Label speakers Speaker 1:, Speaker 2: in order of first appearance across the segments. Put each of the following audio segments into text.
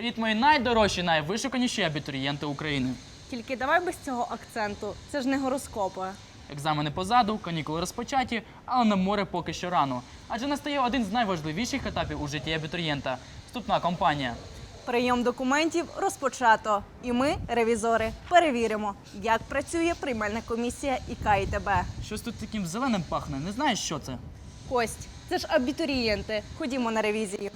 Speaker 1: Привіт, мої найдорожчі, найвишуканіші абітурієнти України.
Speaker 2: Тільки давай без цього акценту. Це ж не гороскопи.
Speaker 1: Екзамени позаду, канікули розпочаті, але на море поки що рано. Адже настає один з найважливіших етапів у житті абітурієнта – вступна кампанія.
Speaker 2: Прийом документів розпочато. І ми, ревізори, перевіримо, як працює приймальна комісія ІК ІТБ.
Speaker 1: Щось тут таким зеленим пахне, не знаєш, що це?
Speaker 2: Кость, це ж абітурієнти. Ходімо на ревізію.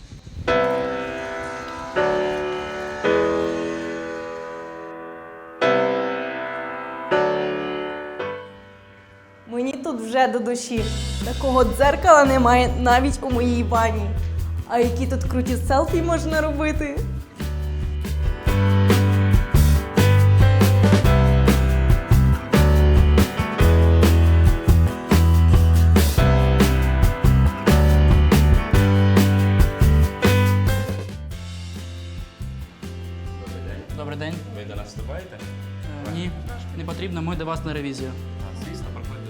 Speaker 2: Мені тут вже до душі. Такого дзеркала немає навіть у моїй ванні. А які тут круті селфі можна робити?
Speaker 1: Добрий день.
Speaker 3: Ви до нас вступаєте?
Speaker 1: Ні, не потрібно, ми до вас на ревізію.
Speaker 3: Звісно, проходьте.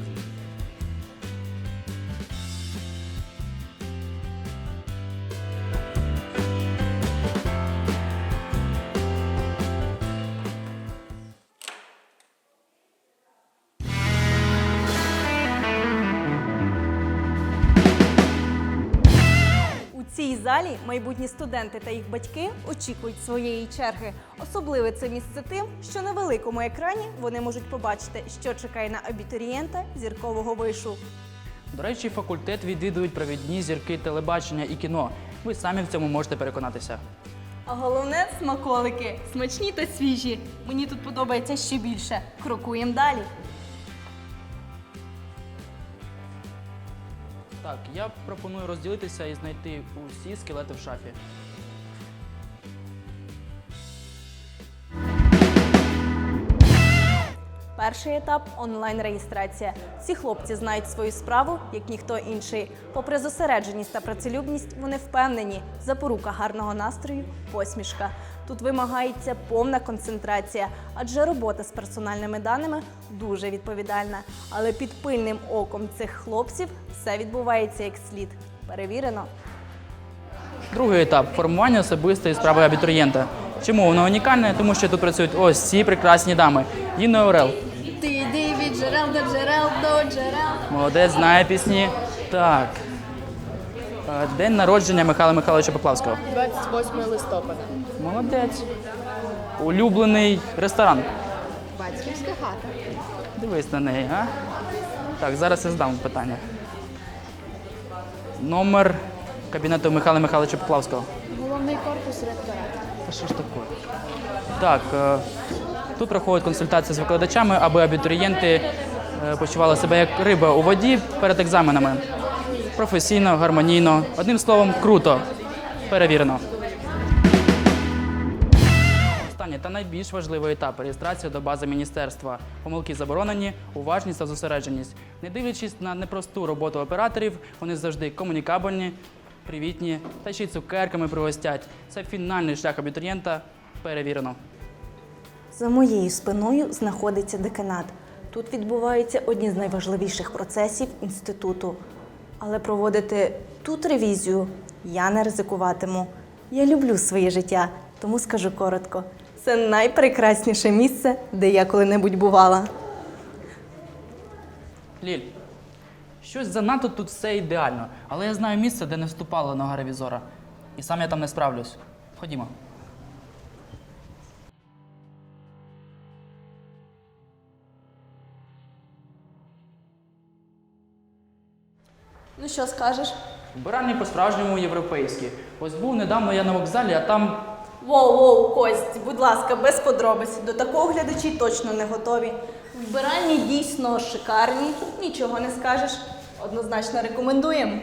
Speaker 2: У цій залі майбутні студенти та їх батьки очікують своєї черги. Особливе це місце тим, що на великому екрані вони можуть побачити, що чекає на абітурієнта зіркового вишу.
Speaker 1: До речі, факультет відвідують провідні зірки телебачення і кіно. Ви самі в цьому можете переконатися.
Speaker 2: А головне – смаколики. Смачні та свіжі. Мені тут подобається ще більше. Крокуємо далі.
Speaker 1: Так, я пропоную розділитися і знайти усі скелети в шафі.
Speaker 2: Перший етап – онлайн-реєстрація. Ці хлопці знають свою справу, як ніхто інший. Попри зосередженість та працелюбність, вони впевнені – запорука гарного настрою – посмішка. Тут вимагається повна концентрація, адже робота з персональними даними дуже відповідальна. Але під пильним оком цих хлопців все відбувається як слід. Перевірено.
Speaker 1: Другий етап – формування особистої справи абітурієнта. Чому воно унікальне? Тому що тут працюють ось ці прекрасні дами. Інна Орел.
Speaker 2: Ти йди від джерел до джерел до джерел.
Speaker 1: Молодець, знає пісні. Так. День народження Михайла Михайловича Поплавського.
Speaker 4: 28 листопада.
Speaker 1: Молодець. Улюблений ресторан.
Speaker 4: Батьківська хата.
Speaker 1: Дивись на неї, а? Так, зараз я задам питання. Номер кабінету Михайла Михайловича Поплавського.
Speaker 4: Головний корпус ректорату.
Speaker 1: Та що ж таке? Так, тут проходять консультації з викладачами, аби абітурієнти почували себе як риба у воді перед екзаменами. Професійно, гармонійно. Одним словом, круто. Перевірено. Останній та найбільш важливий етап – реєстрація до бази міністерства. Помилки заборонені, уважність та зосередженість. Не дивлячись на непросту роботу операторів, вони завжди комунікабельні, привітні та ще й цукерками пригостять. Це фінальний шлях абітурієнта. Перевірено.
Speaker 2: За моєю спиною знаходиться деканат. Тут відбуваються одні з найважливіших процесів інституту. Але проводити тут ревізію я не ризикуватиму. Я люблю своє життя, тому скажу коротко. Це найпрекрасніше місце, де я коли-небудь бувала.
Speaker 1: Ліль, щось занадто тут все ідеально, але я знаю місце, де не вступала нога ревізора. І сам я там не справлюсь. Ходімо.
Speaker 2: Ну що скажеш?
Speaker 1: Вбиральні по-справжньому європейські. Ось був недавно я на вокзалі, а там...
Speaker 2: Воу, Кость, будь ласка, без подробиць. До такого глядачі точно не готові. Вбиральні дійсно шикарні, нічого не скажеш. Однозначно рекомендуємо.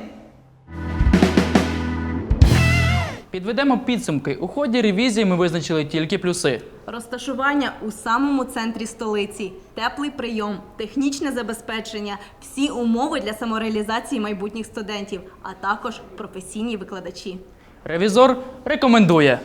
Speaker 1: Підведемо підсумки. У ході ревізії ми визначили тільки плюси.
Speaker 2: Розташування у самому центрі столиці, теплий прийом, технічне забезпечення, всі умови для самореалізації майбутніх студентів, а також професійні викладачі.
Speaker 1: Ревізор рекомендує.